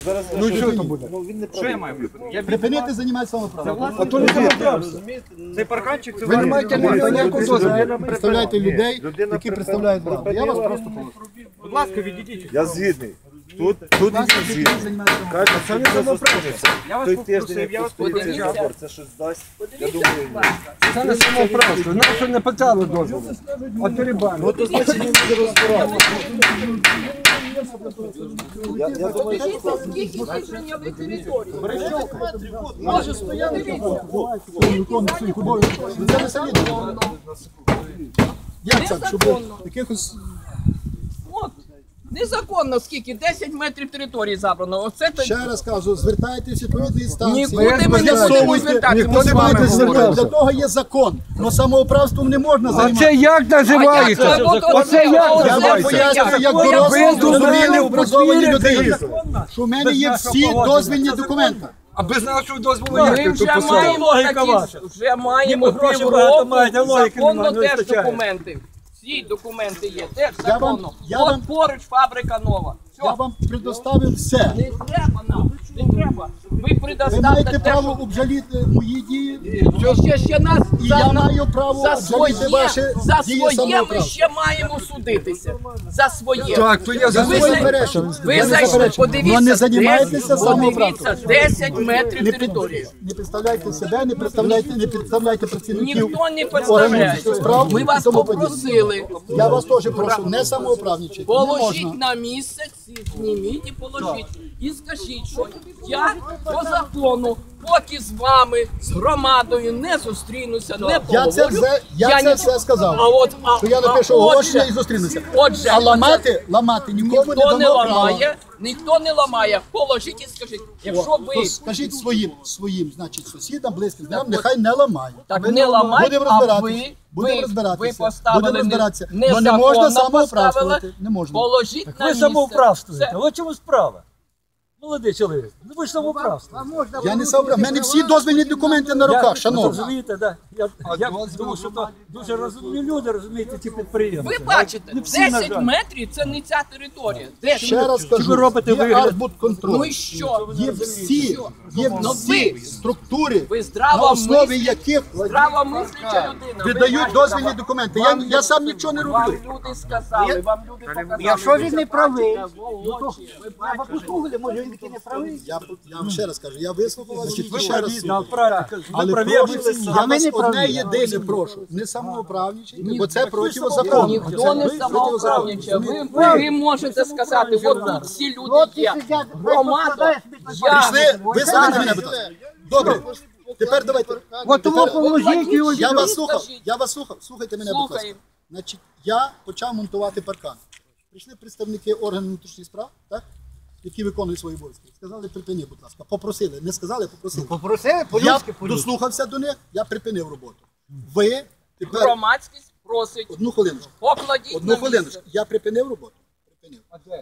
Ну і що там буде? Що я маю припинити? Припинити займатися самоправом. А то не самоправство. Цей парканчик, це Ви не маєте ніякого дозволу. Представляєте людей, які представляють владу. Я вас просто прошу. будь ласка, відійдіть. Я згідний. Тут він згідний. Каже, Це не самоправство. Я вас той попросив, тиждень, я як вас поліцейський попросив. збор, це щось дасть. Я думаю, ні. Це не самоправство. Нам що не питали дозволу. А терибан. Ну, то значить він буде розбиратися. Я думаю, що Дивіться, скільки зайняли території. Може стояти, дивіться. Це не солідно. Як так, щоб якихось... От, незаконно скільки, 10 метрів території забрано. Оце то... Ще раз кажу, звертайтесь в відповідні інстанції. Нікуди ми не будемо З'ясовуйте. звертатися. Ніхто Ми не з вами буде говоримо. звертатися. Для того є закон. Но самоуправством не можна А займатися. це як називається? Оце як Я вам називається? пояснюю, як Ви дорослі, дозволили зрозумілі, образовані повірити. людини, що в мене є всі дозвільні документи. А без нашого дозволу Ми як ти вже тут маємо вже маємо півроку законно теж документи. Всі документи є, теж законно. я От вам- поруч фабрика нова. Я Все, вам предоставив все. не треба нам, не треба. Ви Ви предоставте маєте те, право що... обжаліти мої дії. Ще нас І я маю право за обжаліти своє, ваші за дії своє ми самоуправства. ще маємо судитися. За своє. Так, то я за Ви своє. Ви зайшли, подивіться, не займайтеся самоуправством. 10 метрів території. Не представляйте себе, не представляйте працівників. Ніхто не органів представляє. справ Ми і вас тому подібне. попросили. Я вас теж прошу, не самоуправничати. Не Положіть можна. на місце, зніміть і положіть. І скажіть, що я по закону, поки з вами, з громадою не зустрінуся, не Я це поговорю. все, все сказав. Що я напишу оголошення і зустрінуся. Отже, А ламати нікому не ніхто не дано права. ламає, ніхто не ламає. Положіть і скажіть, якщо ви То скажіть своїм, значить, сусідам, близьким знайомим, нехай не ламають. так не ламаєте, Будемо а розбиратися. Будемо ви розбиратися. поставили Будемо розбиратися. Но незаконно не можна поставили, самоуправствувати. Не можна. положіть на Ви місце. самоуправствуєте, Все. от чому справа? Молодий чоловік, ну ви ж самоуправство. Я не самоуправ. У мене всі дозвільні документи на руках, шановні. Розумієте, да? Я думаю, що то дуже розумні люди, розумієте, ті підприємці. Ви бачите, Не всі, на 10 жаль. метрів це не ця територія. 10. Ще раз Чи кажу, ви робите є вигляд? арбудконтроль. Ну і що? Є всі Ну, ви- структури, Ви на здрава основі яких мисляча людина. видають дозвільні документи. Я сам нічого не Вам роблю. люди сказали, вам люди показали. Якщо він не правий, треба послухати, може він таки не правий. Я вам ще раз кажу, я вислухав вас, і ще раз слухаю. правильно, Але праві, прошу, а я ви не вас одне праві. єдине прошу, не самоуправничайте, бо це протизаконно. Ніхто не самоуправничає. Ви можете сказати, от тут всі люди є. Громада, я. Прийшли, вислухайте мене, будь ласка. Добре, тепер давайте. Тепер- Я вас слухав, слухайте мене, будь ласка. Слухаю. Значить, я почав монтувати паркан. Прийшли представники органів внутрішніх справ, так? Які виконують свої обов'язки. Сказали, припини, будь ласка. Попросили. Не сказали, попросили. Попросили Я дослухався до них, я припинив роботу. Ви тепер Громадськість просить, одну хвилиночку. покладіть Одну на хвилиночку. місце. Я припинив роботу. Припинив.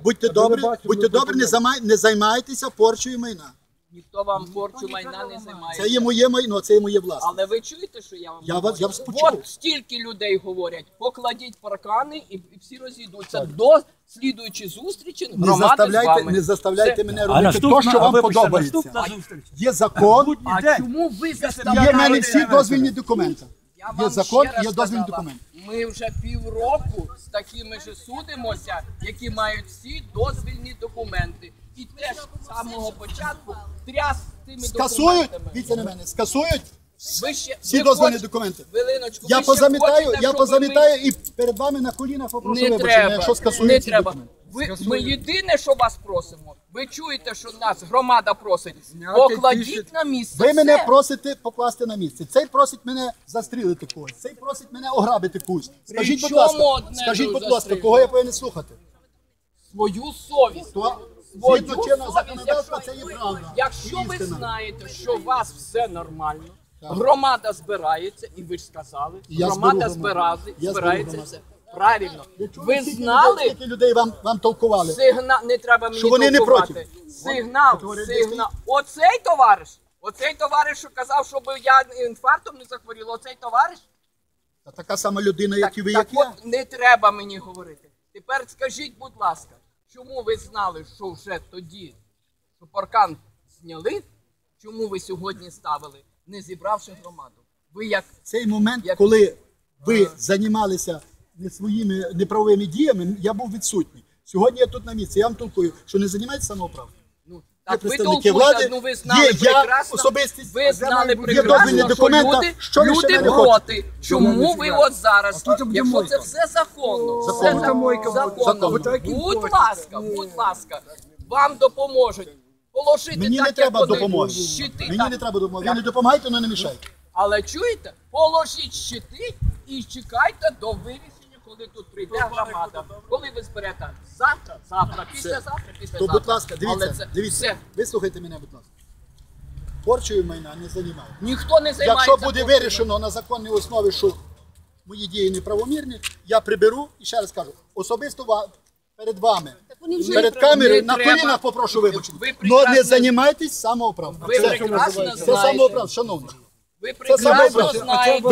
Будьте добрі, не займайтеся порчою майна. Ніхто вам порчу майна не Це займає. є моє майно, це є моє власне. Але ви чуєте, що я вам Я говорю? вас почув. От стільки людей говорять, покладіть паркани і всі розійдуться. До слідуючої зустрічі громада з вами. Не заставляйте Це- мене робити те, що вам подобається. Наступна зустріч. Є закон, А чому ви є в мене заставляєте? всі дозвільні документи. Я Є вам закон, ще раз є дозвільні сказала, документи. Ми вже півроку з такими ж судимося, які мають всі дозвільні документи. І теж з самого початку тряс цими Скасують, документами. дивіться на мене, скасують Ви ще- всі ви дозвільні хочете- документи. Хвилиночку, Я ви ще позамітаю, хочете, я щоб позамітаю і перед вами на колінах попрошу Не вибачення, треба, якщо не скасують ці треба. документи. Ми єдине, що вас просимо, ви чуєте, що нас громада просить, Зняти покладіть на місце. Ви мене все. просите покласти на місце. Цей просить мене застрілити когось. Цей просить мене ограбити когось. Скажіть, будь чому ласка, одне скажіть, будь ласка, застрілити? кого я повинен слухати? Свою совість. То Свою згідно чинного совість, законодавства це якщо- є правда. Якщо ви Істина. знаєте, що у вас все нормально, громада збирається, і ви ж сказали, Я громада зберу громаду. Я збирається зберу все. Правильно. Ви Скільки знали, людей, скільки людей вам толкували? сигнал, не треба мені Що вони не толкувати. проти? Сигнал. Оцей товариш, що казав, щоб я інфарктом не захворіла, оцей товариш? Та така сама людина, як і ви, так як я. от не треба мені говорити. Тепер скажіть, будь ласка, чому ви знали, що вже тоді, що паркан зняли, чому ви сьогодні ставили, не зібравши громаду? Ви як Цей момент, коли ви займалися не своїми неправовими діями, я був відсутній. Сьогодні я тут на місці. Я вам толкую, що не займаєтеся самоуправством. ну, Є так ви представники толкуєте, влади, ну ви знали є я прекрасно, особистість, ви знали є дозвільні прекрасно, що документи. Що ви ще люди мене проти. Чому ви от зараз, тут буде якщо мойка. це все законно, Законно. все Тут мойка буде. законно, будь ласка, вам допоможуть. Положити Мені так, не треба як вони, допомоги. щити. Мені так. не треба допомоги. Ви не допомагайте, але не мішайте. Але чуєте, положіть щити і чекайте до вирішення, коли тут прийде громада. Коли ви зберете завтра, післязавтра. То, будь ласка, Але дивіться, це дивіться, все. вислухайте мене, будь ласка. Порчою майна не займайте. Ніхто не займається. Якщо буде порчею. вирішено на законній основі, що мої дії неправомірні, я приберу і ще раз кажу, особисто перед вами, перед камерою, не на треба. колінах попрошу вибачення. Ви Але не прекрасно- займайтесь самоуправством. Ви Це прекрасно це знаєте. самоуправство, шановні. Ви Це прекрасно самоуправство. знаєте.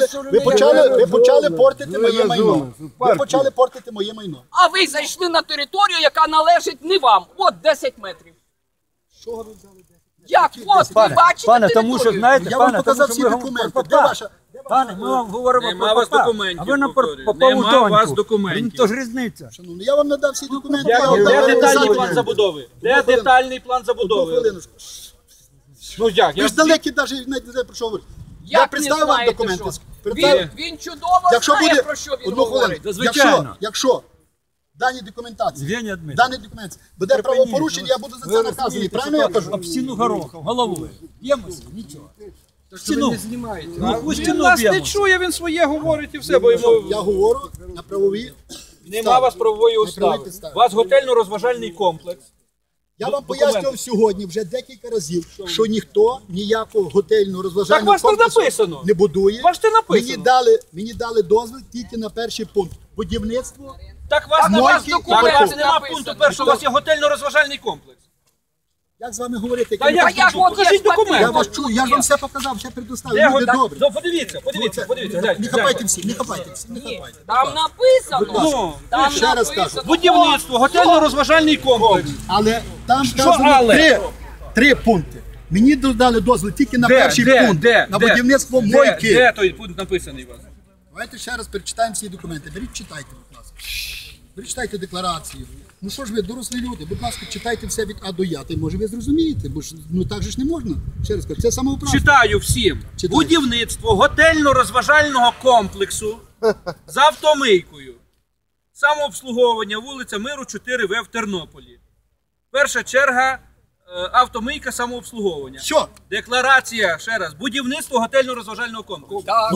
Ви почали портити моє майно. Ви почали портити моє майно. А ви зайшли на територію, яка належить не вам. От 10 метрів. Що ви взяли? Як? От, ви бачите Пане, територію? тому що, знаєте, Я вам пане, показав тому всі що ви документи. говорите Де про ваша? Пане, ми вам говоримо Нема про у вас факт, документів, а ви нам повторюю. попали в Нема у вас доньку. документів. То ж різниця. Шановні, я вам надав всі документи. Де я вам дав детальний переписати. план забудови? Де Одну хвилину. детальний план Одну забудови? хвилиночку. Ну як? Ви ж далекі навіть не знаю, про що говорити. Я Як представив не вам знаєте, документи. що? Представив. Він чудово Якщо знає, буде про що він одну говорить. хвилину, Звичайно. якщо дані документації, Євгеній Дмитрович, дані документації буде правопорушення, я буду за це наказаний. Правильно я кажу? об стіну горохом, головою. Б'ємося? Нічого. Ви Стіну. не знімаєте. Ну, пусть Він стіну нас не б'ємося. чує, він своє говорить і все, бо йому Я говорю на правові. нема у вас правової правові устави. підстави. У вас готельно-розважальний комплекс. Я вам Документи. пояснював сьогодні вже декілька разів, що ніхто ніякого готельного Так розважального вас не комплексу написано. не будує. Вас не написано. Мені дали дозвіл тільки на перший пункт. Будівництво. Так у вас Так у нема вас так у документи вас нема написано. пункту першого, у вас є готельно-розважальний комплекс. Як з вами говорити? Та як? як Ну, от покажіть є документи. Я вас чую, я ж вам все показав, все предоставив. Де Люди го- добрі. Ну, подивіться, гляньте. Не хапайте всі, не хапайте всі, не хапайте. Там написано. Ну, Там ще раз кажу. написано. будівництво, готельно-розважальний комплекс. Але там Що вказано але? три пункти. Мені дали дозвіл тільки на перший пункт, на будівництво мойки. Де той пункт написаний у вас? Давайте ще раз перечитаємо всі документи. Беріть, читайте, будь ласка. Беріть, читайте декларацію. Ну що ж ви, дорослі люди, будь ласка, читайте все від А до Я. Та й може ви зрозумієте, бо ж ну так же ж не можна. Ще раз кажу, це самоуправство. Читаю всім. Читай. Будівництво готельно-розважального комплексу з автомийкою. Самообслуговування, вулиця Миру, 4В в Тернополі. Перша черга автомийка самообслуговування. Що? Декларація, ще раз, будівництво готельно-розважального комплексу. Так,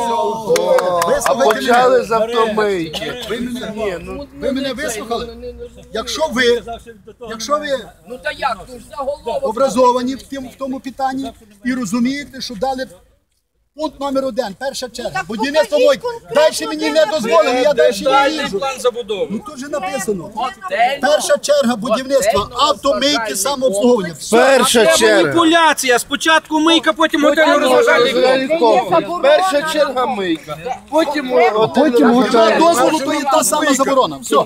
А Почали з автомийки. Ви мене вислухали? Якщо ви Ну та як? Ну ж заголовок. образовані в тому питанні і розумієте, що дали пункт номер 1, перша черга, будівництво мойки. Далі мені не дозволено, я далі не Детальний їжджу. план забудови. Ну тут же написано. Готельно. Перша черга будівництва, автомийки, самообслуговування. Все. Перша Це черга. маніпуляція. Спочатку мийка, потім готельно-розважальний комплекс. Перша черга мийка. Потім Немає дозволу, то є та сама заборона. Все.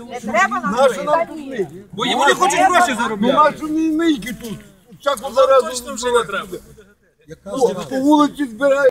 Бо вони хочуть гроші заробляти. Нашу мійки тут. Чаку зараз. Точно вже не треба. По вулиці збирають.